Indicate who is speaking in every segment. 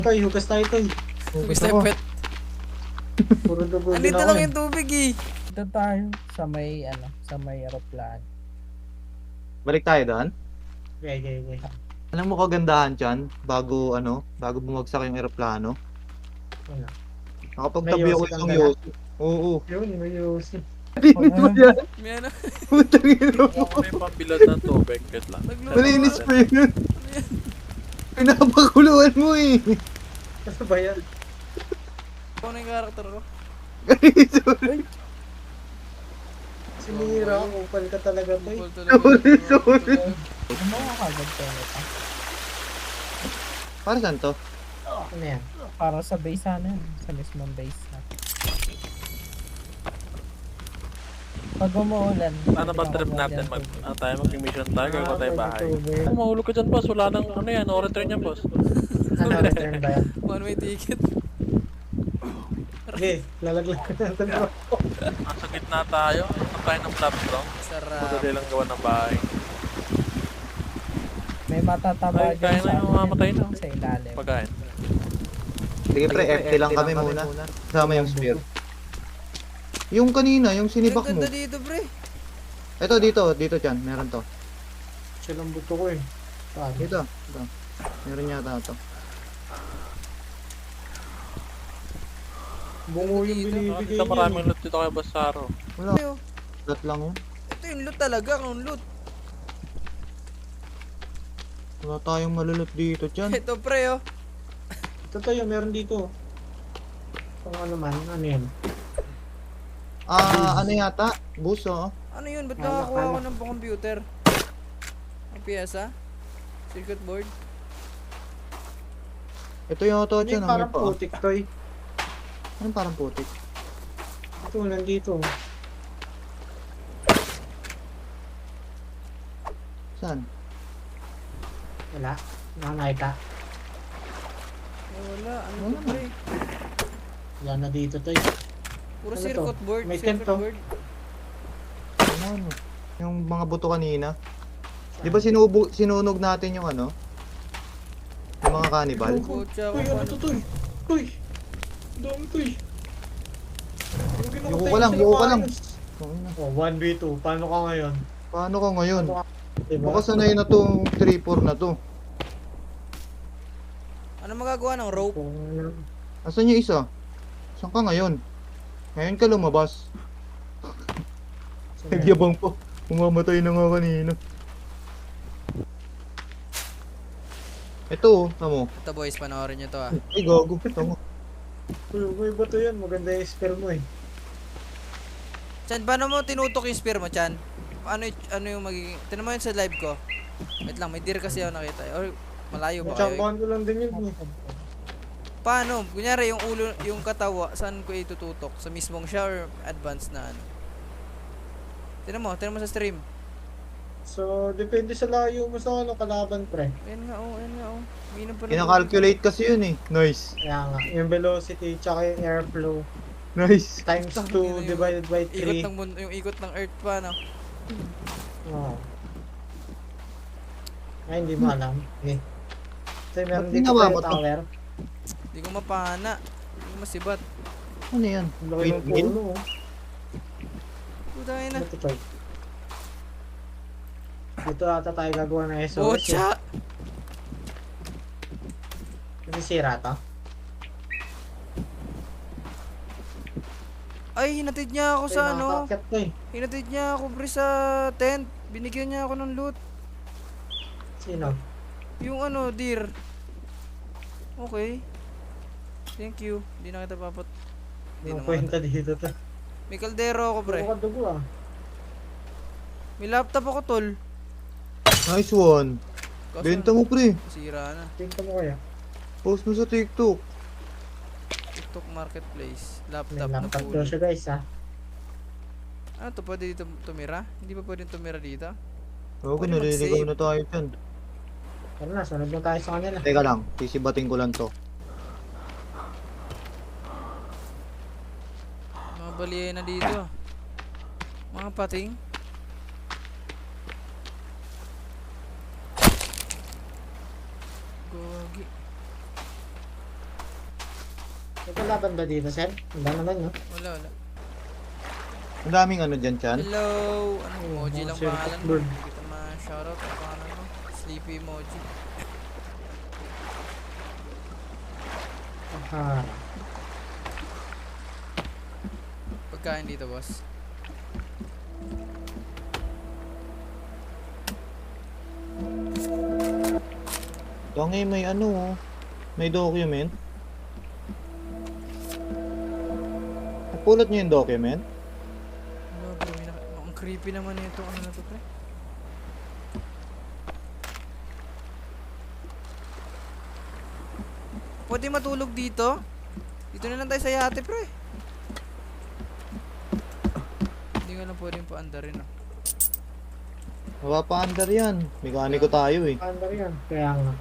Speaker 1: Toy, hugas tayo, Toy.
Speaker 2: Gusto yung pet.
Speaker 1: Puro dugo din
Speaker 2: Andito
Speaker 1: ako
Speaker 2: lang
Speaker 1: eh.
Speaker 2: yung tubig eh.
Speaker 3: Dito tayo sa may sa may aeroplano.
Speaker 4: Balik tayo doon.
Speaker 1: Okay.
Speaker 4: Alam mo kagandahan dyan, bago bumagsak yung eroplano.
Speaker 1: Wala.
Speaker 4: Nakapagtabi
Speaker 1: May
Speaker 4: ako
Speaker 1: yosi kang
Speaker 4: isang
Speaker 1: dala?
Speaker 4: yosi. Oo.
Speaker 1: Yun, may yosi.
Speaker 4: Tingin mo yan.
Speaker 2: May ano.
Speaker 4: Putang ina mo.
Speaker 5: Ako may pambilad ng tubig. Wait lang.
Speaker 2: Nagluluto.
Speaker 4: Malinis pa yun. Pinapakuluan mo eh.
Speaker 1: Ano ba yan?
Speaker 2: Ano yung karakter ko?
Speaker 4: Sorry.
Speaker 1: Sinira ako, upal ka talaga, Toy.
Speaker 2: Bukol talaga.
Speaker 4: Sorry.
Speaker 3: Ano mo kagad tayo ito?
Speaker 4: Para saan to?
Speaker 1: Ano yan?
Speaker 3: Para sa base sana yun. Sa mismong base na. Pag umuulan.
Speaker 5: Ano ba trip natin? Tayo mag-mission tayo. Gagawin ba tayo bahay?
Speaker 1: YouTuber.
Speaker 5: Kung mahulog ka dyan, boss. Wala nang ano yan. No return yan, boss.
Speaker 1: Ano, return ba yan?
Speaker 2: One way ticket.
Speaker 1: Okay, lalaglag ka natin bro.
Speaker 5: Nasa gitna tayo. Ang tayo ng flat bro.
Speaker 2: Sarap.
Speaker 5: Madali lang gawa ng bahay.
Speaker 3: May matataba
Speaker 5: Ay, kaya na yung mamatay na.
Speaker 3: sa ilalim.
Speaker 5: Pagkain.
Speaker 4: Sige pre, FT lang kami muna. Kasama yung spear. Yung kanina, yung sinibak
Speaker 2: Ang
Speaker 4: mo.
Speaker 2: ganda dito pre.
Speaker 4: Ito, dito dyan. Meron to.
Speaker 1: Siya lang buto ko eh. Saan?
Speaker 4: Dito. Meron yata to.
Speaker 1: Bungo yung binibigay
Speaker 5: Dito
Speaker 1: niya.
Speaker 5: maraming loot dito kay Boss Saro.
Speaker 4: Wala.
Speaker 2: Ayo.
Speaker 4: Dot lang yun.
Speaker 2: Ito yung loot talaga. Ang loot.
Speaker 4: Wala tayong malulot dito dyan.
Speaker 2: Ito pre oh.
Speaker 1: Ito tayo, meron dito. Kung ano man, ano yun?
Speaker 4: Ano yata? Bus oh.
Speaker 2: Ano yun? Ba't
Speaker 1: Kala,
Speaker 2: nakakuha
Speaker 1: kala.
Speaker 2: ko ng computer? Ang piyesa? Circuit board?
Speaker 4: Ito yung auto
Speaker 1: Ano
Speaker 4: dyan.
Speaker 1: yung
Speaker 4: Ang
Speaker 1: parang
Speaker 4: pa.
Speaker 1: putik, Toy?
Speaker 4: Anong parang putik?
Speaker 1: Ito, nandito.
Speaker 4: Saan?
Speaker 1: Wala. Nakakita.
Speaker 2: Wala. Ano
Speaker 4: Wala
Speaker 2: to pre?
Speaker 1: Wala na dito, Toy.
Speaker 2: Puro
Speaker 1: Ano
Speaker 2: circuit
Speaker 1: to?
Speaker 2: board.
Speaker 1: May
Speaker 2: Circuit
Speaker 1: tent to.
Speaker 2: board.
Speaker 4: Ano? Yung mga buto kanina. Di ba sinunog natin yung ano? Yung mga cannibal?
Speaker 2: Kotsa
Speaker 1: Toy,
Speaker 2: ko
Speaker 1: ano to, Toy? Toy! Dami, Toy!
Speaker 4: Yuko ka lang, yuko ka lang.
Speaker 1: Oh, 1v2. Paano ka ngayon?
Speaker 4: Paano ka ngayon?
Speaker 1: Diba?
Speaker 4: Baka sanay na tong 3-4 na to.
Speaker 2: Ano magagawa ng rope?
Speaker 4: Asan yung isa? Saan ka ngayon? Ngayon ka lumabas. Nagyabang po. Umamatay na nga kanina. Ito oh, tamo.
Speaker 2: Ito boys, panoorin nyo to ah.
Speaker 4: Ay gago, tamo.
Speaker 1: Uy, bato yan. Maganda yung spell mo eh.
Speaker 2: Chan, paano mo tinutok yung spear mo, Chan? Ano yung magiging... Tinan mo yun sa live ko. Wait lang, may deer kasi ako nakita. Or malayo ba kayo?
Speaker 1: Champuan ko lang din yun eh.
Speaker 2: Paano? Kunyari yung ulo, yung katawa, saan ko itututok? Sa mismong siya or advanced na ano? Tinan mo sa stream.
Speaker 1: So, depende sa layo mo sa ano, kalaban, pre.
Speaker 2: Ayan nga oh. Minum pa
Speaker 4: Kina-calculate kasi yun eh. Nice.
Speaker 1: Kaya nga, yung velocity tsaka yung airflow
Speaker 4: Nice.
Speaker 1: times 2 divided by
Speaker 2: Ikot
Speaker 1: 3.
Speaker 2: ng mundo, yung ikot ng earth pa, no?
Speaker 1: Oh. Ay, hindi mo alam. Eh. So, meron
Speaker 4: Ba't
Speaker 1: dito
Speaker 4: ginawa
Speaker 1: tayo
Speaker 4: mo to?
Speaker 1: tower.
Speaker 2: Hindi ko mapana. Hindi ko masibat.
Speaker 4: Ano yan?
Speaker 1: Ang laki ng
Speaker 4: Windmill?
Speaker 1: puno. Oh.
Speaker 2: Puta na.
Speaker 1: Ano to, Toy? Dito ata tayo gagawa ng SOS. eh.
Speaker 2: Bocha!
Speaker 1: Nasisira to?
Speaker 2: Ay, hinatid niya ako
Speaker 1: Toy,
Speaker 2: sa ano.
Speaker 1: nakakakyat to eh.
Speaker 2: Hinatid niya ako pre sa tent. Binigyan niya ako ng loot.
Speaker 1: Sino?
Speaker 2: Yung ano, deer. Okay. Thank you. Hindi na kita papat. Hindi
Speaker 1: Ano
Speaker 2: naman.
Speaker 1: kwenta dito to?
Speaker 2: May kaldero ako pre.
Speaker 1: Puro ka dugo ah.
Speaker 2: May laptop ako tol.
Speaker 4: Nice one.
Speaker 2: Kaso,
Speaker 4: Benta mo pre.
Speaker 2: sira na.
Speaker 1: Tingnan mo kaya.
Speaker 4: Post mo sa TikTok.
Speaker 2: TikTok marketplace.
Speaker 1: May
Speaker 2: Laptop na
Speaker 1: laptop
Speaker 2: pulo.
Speaker 1: daw siya guys ah.
Speaker 2: Ano to? Pwede dito tumira? Hindi pa pwedeng tumira dito?
Speaker 4: Oo,
Speaker 2: Pwede
Speaker 4: naliligaw
Speaker 2: mag-save.
Speaker 4: na tayo dyan.
Speaker 1: Tara na, sunod na tayo sa kanila.
Speaker 4: Teka lang, sisibating ko lang to.
Speaker 2: Mga baliya na dito. Mga pating. Gogi.
Speaker 1: May kalaban ba dito, Sen? Wala naman, no?
Speaker 2: Wala, wala.
Speaker 4: Ang daming ano dyan, Chan.
Speaker 2: Hello! Anong emoji
Speaker 1: mga
Speaker 2: lang
Speaker 1: circuit
Speaker 2: pangalan mo?
Speaker 1: bird.
Speaker 2: Hindi kita ma-shoutout. Ang pangalan mo? Sleepy emoji.
Speaker 1: Ah,
Speaker 2: Pagkain dito, boss.
Speaker 4: Tangi, may ano, oh. May document. Napulot niyo yung document?
Speaker 2: Wala, bro. Ang creepy naman ito. Ano na to, pre? Pwede matulog dito? Dito na lang tayo sa yate, pre. Hindi nga lang pwedeng paandarin, ah.
Speaker 4: Mapapaandar yan. Mekaniko tayo eh.
Speaker 1: paano yan? Kaya nga.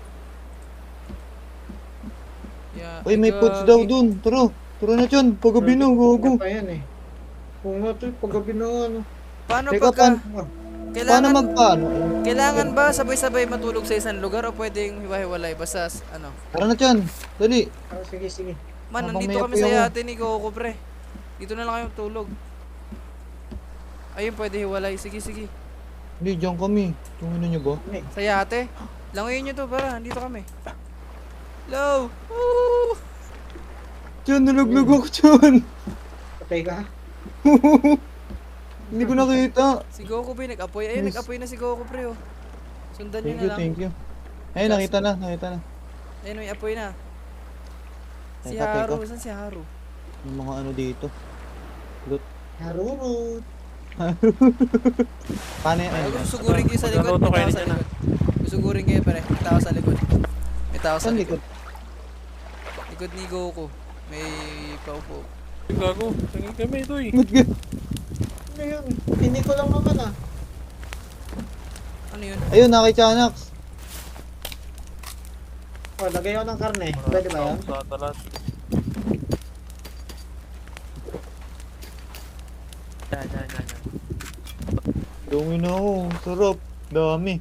Speaker 2: Yeah,
Speaker 4: Uy, may foods daw dun. Tara. Tara na, Chan. Pagabi na,
Speaker 1: Ano
Speaker 4: gago.
Speaker 1: pa yan, eh? Kung nga to, paggabi na ano.
Speaker 2: Paano
Speaker 4: Teka,
Speaker 2: pagka...
Speaker 1: Ah,
Speaker 4: Paano
Speaker 2: Kailangan,
Speaker 4: magpaano?
Speaker 2: kailangan ba sabay-sabay matulog sa isang lugar o pwedeng hiwa-hiwalay? Basta, ano?
Speaker 4: Tara na, Chan. Dali.
Speaker 1: sige, sige.
Speaker 2: Man,
Speaker 4: Habang
Speaker 2: nandito
Speaker 4: may
Speaker 2: kami sa
Speaker 4: apoy ako.
Speaker 2: yate ni Coco, pre. Dito na lang kayo tulog. Ayun, pwede hiwalay. Sige, sige.
Speaker 4: Hindi, dyan kami. Tungin niyo ba?
Speaker 2: Sa yate. Langoyin nyo to, para. Dito kami. Hello! Woo!
Speaker 4: Chan, nalaglag ako, Chan.
Speaker 1: Patay ka, ha?
Speaker 4: Hindi ko nakita.
Speaker 2: Si Coco, pre, nag-apoy. Ayun,
Speaker 4: Yes.
Speaker 2: nag-apoy na si Coco, pre, oh. Sundan nyo
Speaker 4: Thank
Speaker 2: na
Speaker 4: you,
Speaker 2: lang.
Speaker 4: thank you. Ayun, nakita na, nakita na.
Speaker 2: Ayun, may apoy na. Si
Speaker 4: Teka,
Speaker 2: Haru.
Speaker 4: teka.
Speaker 2: Saan si Haru?
Speaker 4: Yung mga ano dito.
Speaker 1: Harurut.
Speaker 4: Paano yan?
Speaker 2: Ay, susugurin kayo sa likod.
Speaker 5: Magluto
Speaker 2: May
Speaker 5: kayo
Speaker 2: tao sa
Speaker 5: dyan, ah.
Speaker 2: likod. Susugurin kayo, pre. May tao sa likod. May tao sa
Speaker 4: Saan
Speaker 2: likod.
Speaker 4: likod?
Speaker 2: Likod ni Goku. May paupo.
Speaker 5: Gago. Tingin kami ito eh.
Speaker 4: Ba't ka?
Speaker 1: Ano yun? Hindi ko lang naman, ah.
Speaker 2: Ano yun?
Speaker 4: Ayun, nakikanax.
Speaker 1: Oh, lagay ako ng karne. Pwede ba yan?
Speaker 5: Sa talat. Yan.
Speaker 4: Dumi na ako. Sarap. Dami.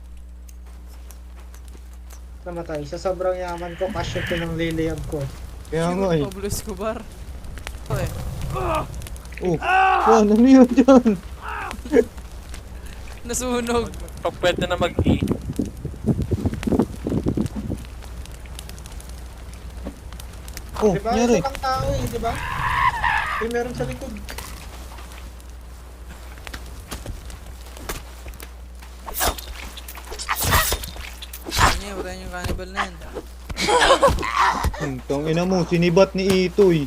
Speaker 1: Namatay. Sa sobrang yaman ko, kasya ko ng liliyab ko.
Speaker 4: Kaya nga eh.
Speaker 2: Pablo Escobar. Ito eh.
Speaker 4: Oh, Chan, ano yun, Chan?
Speaker 2: Nasunog.
Speaker 5: Pag pwede na mag-E.
Speaker 4: Oh,
Speaker 1: Diba?
Speaker 4: nangyari.
Speaker 1: Isa lang tao eh, diba? May meron sa likod.
Speaker 2: Niya, patayin yung cannibal na yan.
Speaker 4: Tang ina mo, sinibat ni Itoy.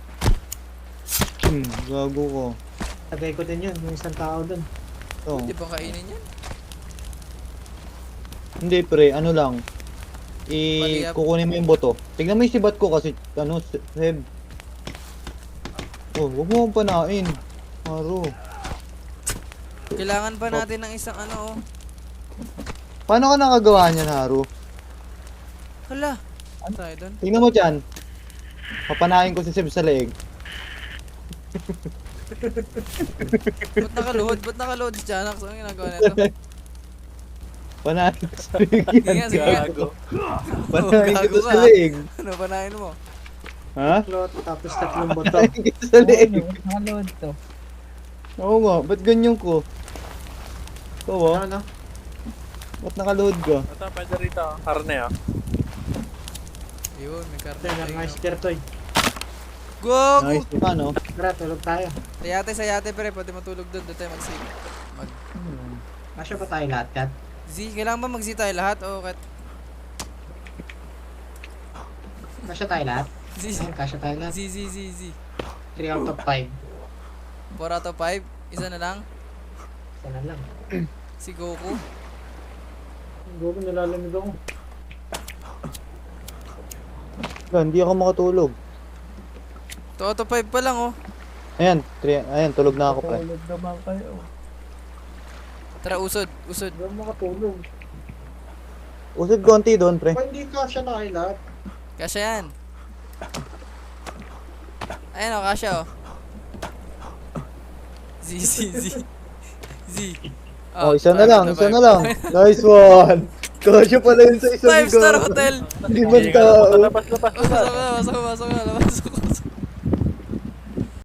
Speaker 4: Gago ko.
Speaker 1: Lagay ko din yun, yung isang tao dun.
Speaker 4: Oh.
Speaker 2: Di ba kainin yan?
Speaker 4: Hindi pre, ano lang.
Speaker 2: Paliyap.
Speaker 4: Kukunin mo yung boto. Tignan mo yung sibat ko kasi, ano, Seb. Oh, huwag mo akong panain. Haro.
Speaker 2: Kailangan pa natin ng isang ano oh.
Speaker 4: Paano ka nakagawa niyan, Haro?
Speaker 2: Hala. Ano tayo doon?
Speaker 4: Tingnan mo dyan. Papanain ko si Seb sa leeg.
Speaker 2: Ba't nakaluhod? Ba't nakaluhod si Janax? Anong ginagawa nito?
Speaker 4: Panain ko sa leeg
Speaker 2: Sige
Speaker 4: yan.
Speaker 2: nga, sige nga.
Speaker 5: Gago.
Speaker 4: Panain
Speaker 2: Gago
Speaker 4: ko
Speaker 2: ka.
Speaker 4: sa leeg.
Speaker 2: Ano, panahin mo?
Speaker 4: Ha?
Speaker 1: Plot, tapos tatlong boto.
Speaker 4: Panain ko sa leeg.
Speaker 3: Nakaload to.
Speaker 4: Oo nga, ba't ganyan ko? Ikaw ah,
Speaker 1: Ano?
Speaker 4: ba't nakaload ka?
Speaker 5: Ito, pwede rito. Karne ah.
Speaker 2: Yun, may karne.
Speaker 1: Yan, ang nice kertoy.
Speaker 2: Gogo!
Speaker 4: Nice, ano?
Speaker 1: Tara, tulog tayo.
Speaker 2: Sa yate pre, pwede matulog doon. Doon tayo mag-save.
Speaker 1: Kasya pa tayo lahat, Kat.
Speaker 2: Z, kailangan ba mag-Z tayo lahat? O kat?
Speaker 1: Kasya tayo lahat.
Speaker 2: Z,
Speaker 1: Ayun, kasya tayo lahat.
Speaker 2: Z.
Speaker 1: 3 out of 5.
Speaker 2: 4 out of 5? Isa na lang?
Speaker 1: Isa na lang.
Speaker 2: Si Goku?
Speaker 1: Gogo, nalalamig ako.
Speaker 4: Hindi ako makatulog.
Speaker 2: 2 out of 5 pa lang oh.
Speaker 4: Ayan, ayan, tulog na ako pre.
Speaker 3: Tulog naman kayo.
Speaker 2: Tara, usod.
Speaker 1: Hindi ako makatulog.
Speaker 4: Usod konti doon pre.
Speaker 1: Pa hindi kasya tayo lahat.
Speaker 2: Kasya yan. Ayan o, kasya o. Z.
Speaker 4: Oh, isa na
Speaker 2: 2
Speaker 4: lang,
Speaker 2: out of
Speaker 4: isa
Speaker 2: 5.
Speaker 4: na lang. Nice one. Kasya pala yun sa isang
Speaker 2: 5-star hotel!
Speaker 4: Hindi man tao.
Speaker 5: Labas.
Speaker 2: Pasok ka, pasok ka, labas ako.